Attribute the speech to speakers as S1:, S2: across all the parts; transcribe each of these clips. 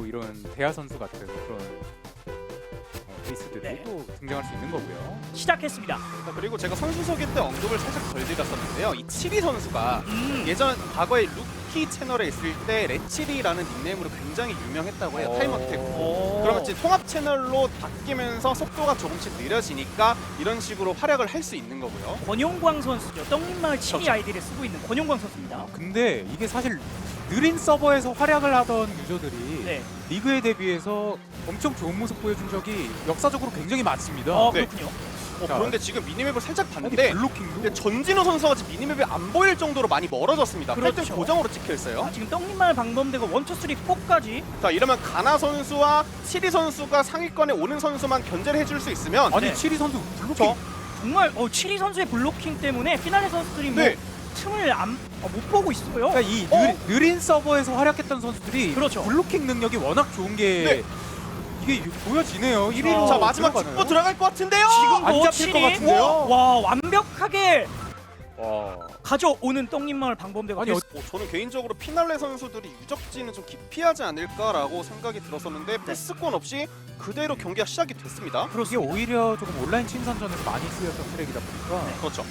S1: 이런 대하 선수 같은 그런 에이스들이 또 등장할 수 있는 거고요.
S2: 시작했습니다.
S3: 자, 그리고 제가 선수 소개 때 언급을 살짝 덜 드렸었는데요. 이 치리 선수가 예전 과거에 루키 채널에 있을 때 레치리라는 닉네임으로 굉장히 유명했다고 해요. 타임어택으로. 그러면 이제 통합 채널로 바뀌면서 속도가 조금씩 느려지니까 이런 식으로 활약을 할 수 있는 거고요.
S2: 권용광 선수죠. 떡잎마을 치리 아이디를 쓰고 있는 권용광 선수입니다.
S1: 근데 이게 사실 느린 서버에서 활약을 하던 유저들이
S2: 네.
S1: 리그에 대비해서 엄청 좋은 모습 보여준 적이 역사적으로 굉장히 많습니다.
S3: 네.
S2: 그렇군요.
S3: 그런데 지금 미니맵을 살짝 봤는데
S1: 블로킹도
S3: 근데 전진우 선수가 지금 미니맵이 안 보일 정도로 많이 멀어졌습니다.
S2: 그렇죠.
S3: 8등 고정으로 찍혀 있어요.
S2: 지금 떡잎마을 방범대가 1, 2, 3, 4까지
S3: 자, 이러면 가나 선수와 치리 선수가 상위권에 오는 선수만 견제를 해줄 수 있으면
S1: 아니
S2: 네.
S1: 치리 선수 블로킹
S3: 저
S2: 정말 치리 선수의 블로킹 때문에 피날레 선수들이
S3: 네.
S2: 틈을 못 보고 있어요.
S1: 그러니까 이 느린 서버에서 활약했던 선수들이
S2: 그렇죠.
S1: 블로킹 능력이 워낙 좋은 게
S3: 네.
S1: 이게 보여지네요. 1위로
S3: 자, 마지막 축구 들어갈 것 같은데요.
S1: 안
S2: 지금도
S1: 잡힐 것 같은데요?
S2: 와 완벽하게
S1: 와.
S2: 가져오는 떡잎마을 방범대가
S1: 아니,
S3: 저는 개인적으로 피날레 선수들이 유적지는 좀 기피하지 않을까라고 생각이 들었었는데 패스권 없이 그대로 경기가 시작이 됐습니다.
S1: 이게 오히려 조금 온라인 친선전에서 많이 쓰였던 트랙이다 보니까
S3: 그렇죠.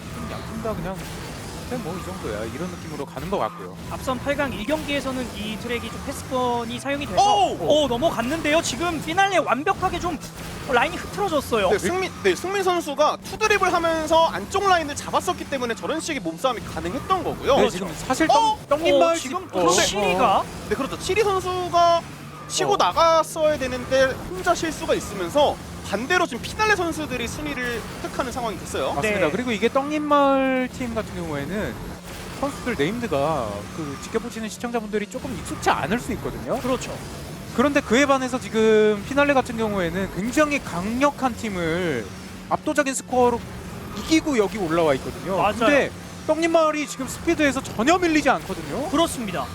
S1: 양팀 다 그냥 뭐 이 정도야 이런 느낌으로 가는 것 같고요.
S2: 앞선 8강 1경기에서는 이 트랙이 좀 패스권이 사용이 돼서 넘어갔는데요. 지금 피날레 완벽하게 좀 라인이 흐트러졌어요.
S3: 승민 선수가 투드립을 하면서 안쪽 라인을 잡았었기 때문에 저런 식의 몸싸움이 가능했던 거고요.
S1: 네, 지금 사실 떡잎마을
S2: 지금
S1: 그런데
S2: 치리가
S3: 네, 그렇죠. 치리 선수가 치고 나갔어야 되는데 혼자 실수가 있으면서 반대로 지금 피날레 선수들이 순위를 획득하는 상황이 됐어요.
S1: 맞습니다.
S2: 네.
S1: 그리고 이게 떡잎마을 팀 같은 경우에는 선수들 네임드가 그 지켜보시는 시청자분들이 조금 익숙치 않을 수 있거든요.
S2: 그렇죠.
S1: 그런데 그에 반해서 지금 피날레 같은 경우에는 굉장히 강력한 팀을 압도적인 스코어로 이기고 여기 올라와 있거든요.
S2: 맞아요.
S1: 근데 떡잎마을이 지금 스피드에서 전혀 밀리지 않거든요.
S2: 그렇습니다.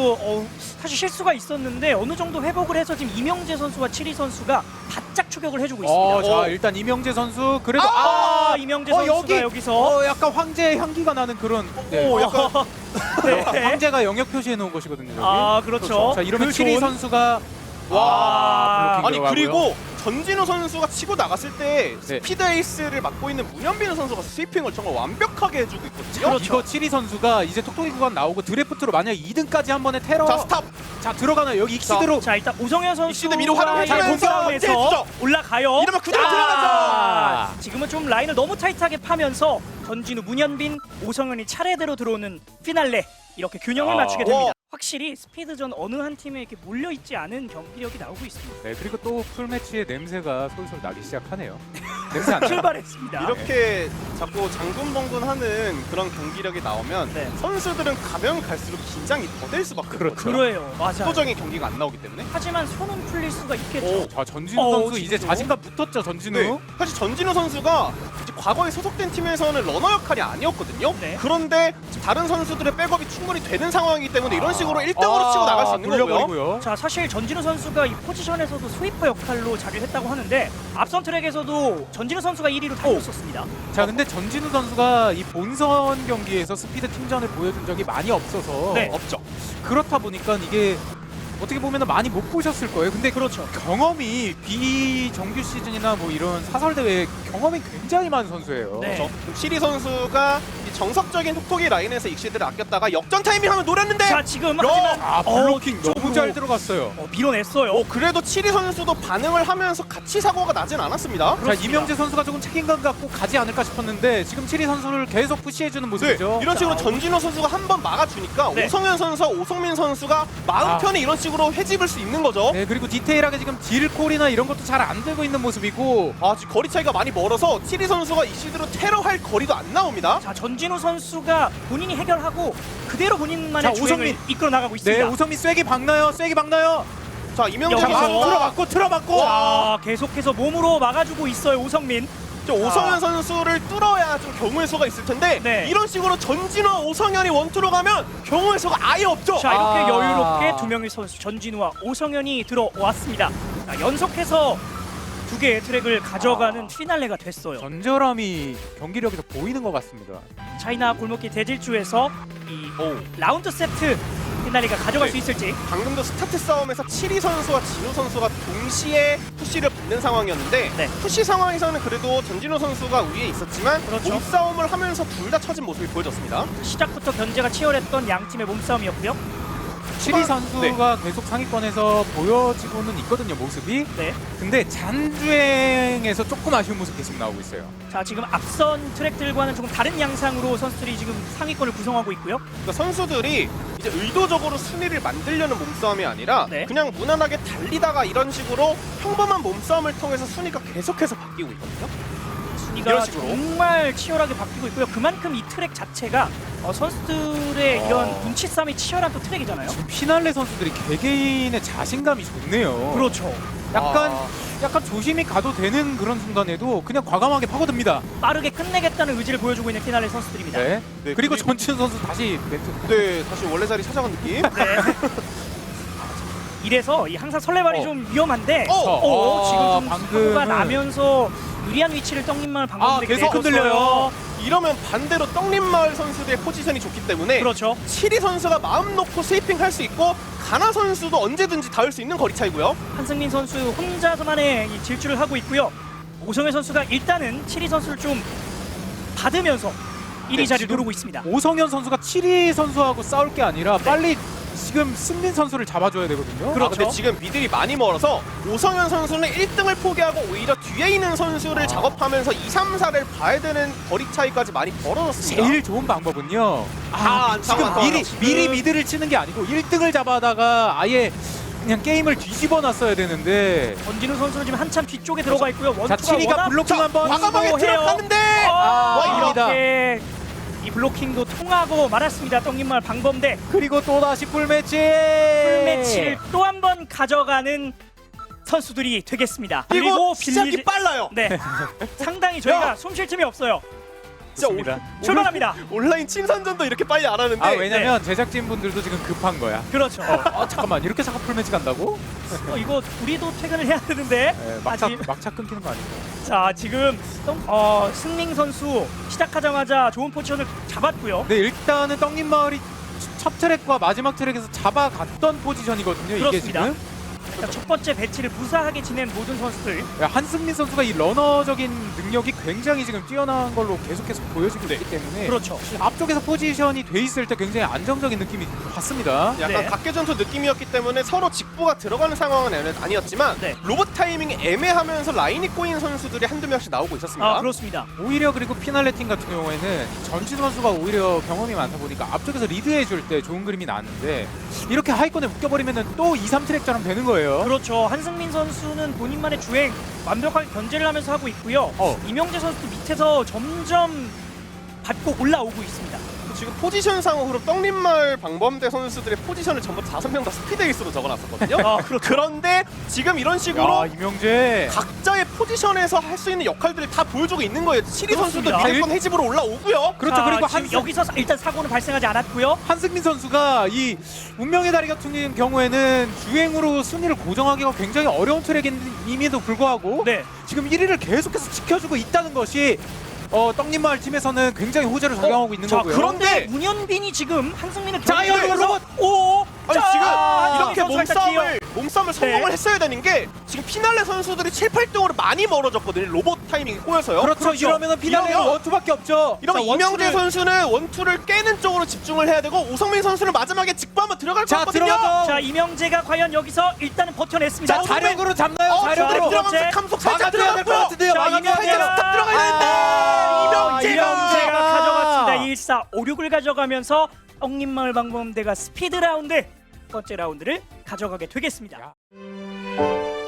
S2: 사실 실수가 있었는데 어느 정도 회복을 해서 지금 이명재 선수와 치리 선수가 바짝 추격을 해주고 있습니다.
S1: 자 일단 이명재 선수 그래도
S2: 이명재 선수가 여기서
S1: 약간 황제 향기가 나는 그런
S3: 약간
S2: 네.
S1: 황제가 영역 표시해 놓은 것이거든요. 저기.
S2: 그렇죠.
S1: 자 이러면
S2: 그
S1: 치리
S2: 좋은-
S1: 선수가
S2: 와.
S1: 블로킹
S3: 아니
S1: 들어가고요.
S3: 그리고 전진우 선수가 치고 나갔을 때
S1: 네.
S3: 스피드 에이스를 맡고 있는 문현빈 선수가 스위핑을 정말 완벽하게 해주고 있거든요.
S2: 그렇죠.
S1: 이거 치리 선수가 이제 톡톡이 구간 나오고 드래프트로 만약 2등까지 한 번에 테러
S3: 자, 스탑.
S1: 자 들어가나요? 여기 익시드로
S2: 자 일단 오성현
S3: 익시드 미로
S2: 선수가
S3: 활용해주면서
S2: 공격에서
S3: 제주죠.
S2: 올라가요.
S3: 이러면 그대로 들어가죠.
S2: 지금은 좀 라인을 너무 타이트하게 파면서 전진우, 문현빈, 오성현이 차례대로 들어오는 피날레 이렇게 균형을 맞추게 됩니다. 확실히 스피드전 어느 한 팀에 이렇게 몰려있지 않은 경기력이 나오고 있습니다.
S1: 네 그리고 또 풀매치의 냄새가 솔솔 나기 시작하네요. 냄새 안 나요?
S2: 출발했습니다.
S3: 이렇게 자꾸 장군벙군하는 그런 경기력이 나오면
S2: 네.
S3: 선수들은 가면 갈수록 긴장이 더 될 수밖에
S1: 그렇죠.
S3: 없거든요.
S2: 그래요. 맞아요.
S3: 압도적인 경기가 안 나오기 때문에.
S2: 하지만 손은 풀릴 수가 있겠죠.
S1: 자 전진우 선수 이제
S2: 지금도?
S1: 자신감 붙었죠 전진우.
S3: 네. 사실 전진우 선수가 이제 과거에 소속된 팀에서는 러너 역할이 아니었거든요.
S2: 네.
S3: 그런데 다른 선수들의 백업이 충분히 되는 상황이기 때문에 이런 식으로 1등으로 치고 나갈 수 있는 거고요.
S1: 돌려버리고요.
S2: 자 사실 전진우 선수가 이 포지션에서도 스위퍼 역할로 자리를 했다고 하는데 앞선 트랙에서도 전진우 선수가 1위로 달렸었습니다.
S1: 자 근데 전진우 선수가 이 본선 경기에서 스피드 팀전을 보여준 적이 많이 없어서
S2: 네.
S3: 없죠.
S1: 그렇다 보니까 이게 어떻게 보면 많이 못 보셨을 거예요. 근데
S2: 그렇죠.
S1: 경험이 비정규 시즌이나 뭐 이런 사설 대회 경험이 굉장히 많은 선수예요.
S2: 네.
S3: 그렇죠. 치리 선수가 이 정석적인 톡톡이 라인에서 익시드를 아꼈다가 역전 타이밍 하면 노렸는데
S2: 자 지금 하지만
S1: 블로킹 너무
S2: 뒤쪽으로
S1: 잘 들어갔어요.
S2: 밀어냈어요.
S3: 그래도 치리 선수도 반응을 하면서 같이 사고가 나진 않았습니다.
S1: 자 이명재 선수가 조금 책임감 갖고 가지 않을까 싶었는데 지금 치리 선수를 계속 푸시해주는 모습이죠.
S3: 이런 식으로
S2: 자,
S3: 전진호 선수가 한 번 막아주니까
S2: 네.
S3: 오성현 선수와 오성민 선수가 마음 편히 이런 식으로 해집을 수 있는 거죠.
S1: 네 그리고 디테일하게 지금 딜콜이나 이런 것도 잘 안 되고 있는 모습이고
S3: 지금 거리 차이가 많이 멀어서 치리 선수가 이시드로 테러할 거리도 안 나옵니다.
S2: 자 전진우 선수가 본인이 해결하고 그대로 본인만의
S1: 자,
S2: 주행을
S1: 오성민.
S2: 이끌어 나가고
S1: 네
S2: 있습니다.
S1: 오성민 쐐기 박나요? 쐐기 박나요?
S3: 자 이명재
S2: 여기서.
S3: 선수가
S1: 틀어맞고
S2: 자 계속해서 몸으로 막아주고 있어요 오성민.
S3: 오성현 선수를 뚫어야 좀 경우의 수가 있을 텐데
S2: 네.
S3: 이런 식으로 전진호, 오성현이 원투로 가면 경우의 수가 아예 없죠.
S2: 자 이렇게 여유롭게 두 명의 선수 전진우와 오성현이 들어왔습니다. 자, 연속해서 두 개의 트랙을 가져가는 피날레가 됐어요.
S1: 전절함이 경기력에서 보이는 것 같습니다.
S2: 차이나 골목길 대질주에서 이 라운드 세트 피날레가 가져갈
S3: 네.
S2: 수 있을지.
S3: 방금도 스타트 싸움에서 7위 선수와 진우 선수가 동시에 푸시를 받는 상황이었는데
S2: 네.
S3: 푸시 상황에서는 그래도 전진우 선수가 위에 있었지만
S2: 그렇죠.
S3: 몸싸움을 하면서 둘 다 처진 모습이 보여졌습니다.
S2: 시작부터 견제가 치열했던 양 팀의 몸싸움이었고요.
S1: 7위 선수가 계속 상위권에서 보여지고는 있거든요, 모습이.
S2: 네.
S1: 근데 잔주행에서 조금 아쉬운 모습 계속 나오고 있어요.
S2: 자, 지금 앞선 트랙들과는 조금 다른 양상으로 선수들이 지금 상위권을 구성하고 있고요.
S3: 그러니까 선수들이 이제 의도적으로 순위를 만들려는 몸싸움이 아니라
S2: 네.
S3: 그냥 무난하게 달리다가 이런 식으로 평범한 몸싸움을 통해서 순위가 계속해서 바뀌고 있거든요.
S2: 순위가
S3: 이런 식으로.
S2: 정말 치열하게 바뀌고 있고요. 그만큼 이 트랙 자체가 선수들의 이런 눈치 싸움이 치열한 또 트랙이잖아요.
S1: 지금 피날레 선수들이 개개인의 자신감이 좋네요.
S2: 그렇죠.
S1: 약간 조심히 가도 되는 그런 순간에도 그냥 과감하게 파고듭니다.
S2: 빠르게 끝내겠다는 의지를 보여주고 있는 피날레 선수들입니다.
S1: 네.
S3: 네,
S1: 그리고 전진 선수 다시 멘트.
S3: 네, 다시 원래 자리 찾아간 느낌.
S2: 네. 이래서 이 항상 설레발이 좀 위험한데 지금 좀
S1: 방금은-
S2: 사고가 나면서 유리한 위치를 떡님마을 방법들이
S1: 계속 흔들려요.
S3: 이러면 반대로 떡림마을 선수들의 포지션이 좋기 때문에
S2: 그렇죠.
S3: 7위 선수가 마음 놓고 스위핑 할 수 있고 가나 선수도 언제든지 닿을 수 있는 거리 차이고요.
S2: 한승민 선수 혼자서만의 이 질주를 하고 있고요. 오성현 선수가 일단은 7위 선수를 좀 받으면서 1위 자리를
S1: 지금
S2: 누르고 있습니다.
S1: 오성현 선수가 7위 선수하고 싸울 게 아니라 빨리 지금 승민 선수를 잡아줘야 되거든요.
S2: 그렇죠.
S3: 근데 지금 미들이 많이 멀어서 오성현 선수는 1등을 포기하고 오히려 뒤에 있는 선수를 작업하면서 2, 3, 4를 봐야 되는 거리 차이까지 많이 벌어졌습니다.
S1: 제일 좋은 방법은요.
S3: 안
S1: 지금
S3: 상황.
S1: 미리 미드를 치는 게 아니고 1등을 잡아다가 아예 그냥 게임을 뒤집어 놨어야 되는데.
S2: 전진우 선수는 지금 한참 뒤쪽에 들어가 있고요.
S1: 자,
S2: 원투가
S1: 7위가
S2: 워낙
S1: 블로킹 한번.
S3: 과감하게
S2: 해요.
S3: 들어갔는데
S2: 이렇게 이 블로킹도 통하고 말았습니다. 떡님마을 방범대
S1: 그리고 또 다시 풀매치.
S2: 풀매치를 또 한 번 가져가는 선수들이 되겠습니다.
S3: 그리고 시작이 빨라요.
S2: 네, 상당히 저희가 숨 쉴 틈이 없어요.
S1: 좋습니다.
S2: 출발합니다.
S3: 온라인 친선전도 이렇게 빨리 안 하는데
S1: 왜냐면 제작진 분들도 지금 급한 거야.
S2: 그렇죠.
S1: 잠깐만, 이렇게 잠깐 풀매치 간다고?
S2: 이거 우리도 퇴근을 해야 되는데
S1: 막차 끊기는 거 아니고.
S2: 자, 지금 승민 선수 시작하자마자 좋은 포지션을 잡았고요.
S1: 네, 일단은 떡잎 마을이 첫 트랙과 마지막 트랙에서 잡아갔던 포지션이거든요. 이게
S2: 그렇습니다.
S1: 지금.
S2: 일단 첫 번째 배치를 무사하게 지낸 모든 선수들.
S1: 한승민 선수가 이 러너적인 능력이 굉장히 지금 뛰어난 걸로 계속해서 보여지고 있기 때문에
S2: 그렇죠.
S1: 앞쪽에서 포지션이 돼 있을 때 굉장히 안정적인 느낌이 받습니다.
S3: 약간
S2: 네.
S3: 각계전투 느낌이었기 때문에 서로 직보가 들어가는 상황은 아니었지만
S2: 네.
S3: 로봇 타이밍이 애매하면서 라인이 꼬인 선수들이 한두 명씩 나오고 있었습니다.
S2: 그렇습니다.
S1: 오히려 그리고 피날레 팀 같은 경우에는 전진 선수가 오히려 경험이 많다 보니까 앞쪽에서 리드해 줄 때 좋은 그림이 나왔는데 이렇게 하위권에 묶여버리면 또 2, 3트랙처럼 되는 거예요.
S2: 그렇죠. 한승민 선수는 본인만의 주행 완벽하게 견제를 하면서 하고 있고요. 이명재 선수도 밑에서 점점 밟고 올라오고 있습니다.
S3: 지금 포지션상으로 떡림마을 방범대 선수들의 포지션을 전부 5명 다 스피드 에이스로 적어놨었거든요. 그런데 지금 이런 식으로
S1: 이명재
S3: 각자의 포지션에서 할 수 있는 역할들을 다 보여주고 있는 거예요. 7위 선수도
S2: 그렇습니다.
S3: 미들권 해집으로 올라오고요.
S1: 그렇죠.
S2: 자,
S1: 그리고
S2: 지금 여기서 일단 사고는 발생하지 않았고요.
S1: 한승민 선수가 이 운명의 다리 같은 경우에는 주행으로 순위를 고정하기가 굉장히 어려운 트랙임에도 불구하고
S2: 네.
S1: 지금 1위를 계속해서 지켜주고 있다는 것이 떡잎마을 팀에서는 굉장히 호재를 작용하고 있는 거고요.
S2: 그런데 문현빈이 지금 한승민을
S1: 자, 여기 로봇!
S3: 아니
S2: 자,
S3: 지금 이렇게
S2: 선수가 일단
S3: 몸싸움을 성공을
S2: 네.
S3: 했어야 되는 게 지금 피날레 선수들이 7, 8등으로 많이 멀어졌거든요. 로봇 타이밍이 꼬여서요.
S1: 그렇죠. 이러면은 피날레가
S3: 이러면-
S1: 원투밖에 없죠.
S3: 이러면
S1: 자,
S3: 이명재
S1: 원투를-
S3: 선수는 원투를 깨는 쪽으로 집중을 해야 되고 오성민 선수는 마지막에 직보 한번 들어갈 것
S1: 자,
S3: 같거든요.
S1: 들어가죠.
S2: 자, 이명재가 과연 여기서 일단은 버텨냈습니다.
S1: 자, 자력으로 잡나요?
S3: 주드립
S1: 자력으로.
S3: 들어가면서 감속 살짝
S1: 막아줘야 될 것
S3: 들어갔고요.
S1: 같은데요.
S2: 자,
S1: 막아줘야
S2: 이명재가
S1: 돼요.
S3: 스탑 들어가야 되는데
S2: 이명재가
S1: 아.
S2: 가져갔습니다. 1456을 가져가면서 떡잎마을 방범대가 스피드 라운드 첫 번째 라운드를 가져가게 되겠습니다.
S1: 야.